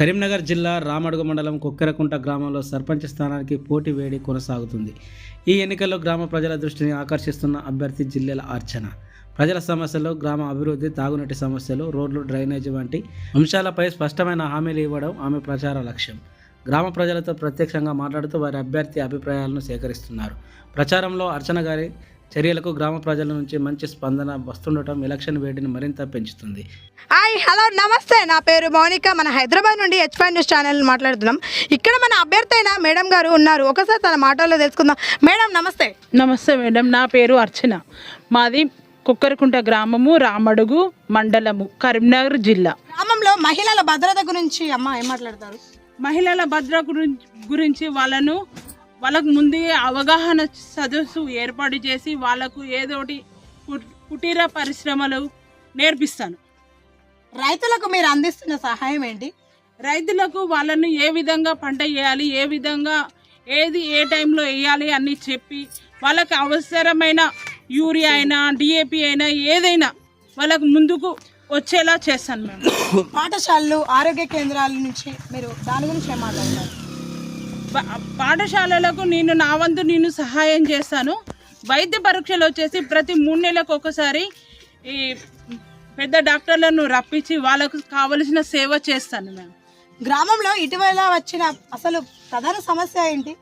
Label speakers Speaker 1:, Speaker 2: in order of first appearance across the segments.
Speaker 1: కరీంనగర్ జిల్లా రామడుగు మండలం కొక్కెరకుంట గ్రామంలో సర్పంచ్ స్థానానికి పోటీ వేడి కొనసాగుతుంది. ఈ ఎన్నికల్లో గ్రామ ప్రజల దృష్టిని ఆకర్షిస్తున్న అభ్యర్థి జిల్లెల అర్చన. ప్రజల సమస్యలు, గ్రామ అభివృద్ధి, తాగునీటి సమస్యలు, రోడ్లు, డ్రైనేజీ వంటి అంశాలపై స్పష్టమైన హామీలు ఇవ్వడం ఆమె ప్రచార లక్ష్యం. గ్రామ ప్రజలతో ప్రత్యక్షంగా మాట్లాడుతూ వారి అభ్యర్థి అభిప్రాయాలను సేకరిస్తున్నారు. ప్రచారంలో అర్చన గారి చర్యలకు గ్రామ ప్రజల నుంచి మంచి స్పందన వస్తుండటం ఎలక్షన్ వేడిని మరింత పెంచుతుంది.
Speaker 2: హాయ్, హలో, నమస్తే. నా పేరు మౌనిక. మన హైదరాబాద్ నుండి H5 న్యూస్ ఛానల్ మాట్లాడుతున్నాం. ఇక్కడ మన అభ్యర్థి అయిన మేడం గారు ఉన్నారు. ఒకసారి తన మాటల్లో తెలుసుకుందాం. మేడం నమస్తే.
Speaker 3: నమస్తే మేడం, నా పేరు అర్చన. మాది కొక్కెరకుంట గ్రామము, రామడుగు మండలము, కరీంనగర్ జిల్లా.
Speaker 2: గ్రామంలో మహిళల భద్రత గురించి అమ్మ ఏం మాట్లాడతారు?
Speaker 3: మహిళల భద్రత గురించి వాళ్ళకు ముందే అవగాహన సదస్సు ఏర్పాటు చేసి వాళ్ళకు ఏదోటి కుటీర పరిశ్రమలు నేర్పిస్తాను.
Speaker 2: రైతులకు మీరు అందిస్తున్న సహాయం ఏంటి?
Speaker 3: రైతులకు వాళ్ళను ఏ విధంగా పంట వేయాలి, ఏ విధంగా ఏది ఏ టైంలో వేయాలి అని చెప్పి వాళ్ళకి అవసరమైన యూరియా అయినా DAP అయినా ఏదైనా వాళ్ళకు ముందుకు వచ్చేలా చేస్తాను మేము.
Speaker 2: పాఠశాలలు, ఆరోగ్య కేంద్రాల నుంచి మీరు దాని గురించి ఏం మాట్లాడతారు?
Speaker 3: పాఠశాలలకు నా వంతు నేను సహాయం చేస్తాను. వైద్య పరీక్షలు వచ్చేసి ప్రతి 3 నెలలకు ఒకసారి ఈ పెద్ద డాక్టర్లను రప్పించి వాళ్ళకు కావలసిన సేవ చేస్తాను మేము.
Speaker 2: గ్రామంలో ఇటీవల వచ్చిన అసలు ప్రధాన సమస్య ఏంటి?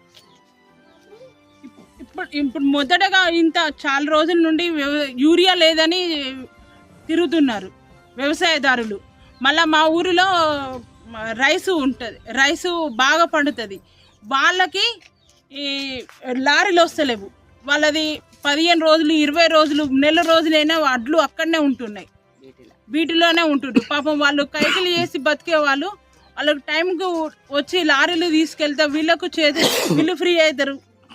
Speaker 3: ఇప్పుడు మొదటగా చాలా రోజుల నుండి యూరియా లేదని తిరుగుతున్నారు వ్యవసాయదారులు. మళ్ళీ మా ఊరిలో రైసు ఉంటుంది, రైసు బాగా పండుతుంది. వాళ్ళకి ఈ లారీలు వస్తలేవు. వాళ్ళది 15 రోజులు, 20 రోజులు, నెల రోజులైనా వడ్లు అక్కడనే ఉంటున్నాయి, వీటిలోనే ఉంటుండ్రు. పాపం వాళ్ళు కైకిలు చేసి బతికే వాళ్ళు వాళ్ళకి టైంకు వచ్చి లారీలు తీసుకెళ్తే వీళ్ళు ఫ్రీ అవుతారు.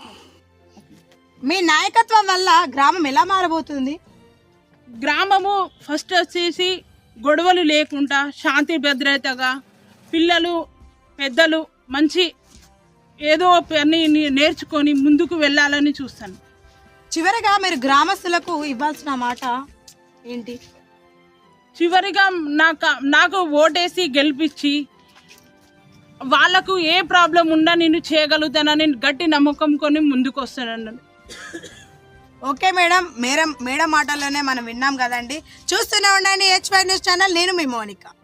Speaker 2: మీ నాయకత్వం వల్ల గ్రామం ఎలా మారబోతుంది?
Speaker 3: గ్రామము ఫస్ట్ వచ్చేసి గొడవలు లేకుండా శాంతి భద్రతగా పిల్లలు పెద్దలు మంచి ఏదో పని నేర్చుకొని ముందుకు వెళ్ళాలని చూస్తాను.
Speaker 2: చివరిగా మీరు గ్రామస్తులకు ఇవ్వాల్సిన మాట ఏంటి?
Speaker 3: చివరిగా నాకు ఓటేసి గెలిపించి వాళ్ళకు ఏ ప్రాబ్లం ఉన్నా నేను చేయగలుగుతానని గట్టి నమ్మకం కొని ముందుకు వస్తానన్నాను.
Speaker 2: ఓకే మేడం, మేడం మాటల్లోనే మనం విన్నాం కదండి. చూస్తూనే ఉండండి H5 న్యూస్ ఛానల్. నేను మీ మౌనిక.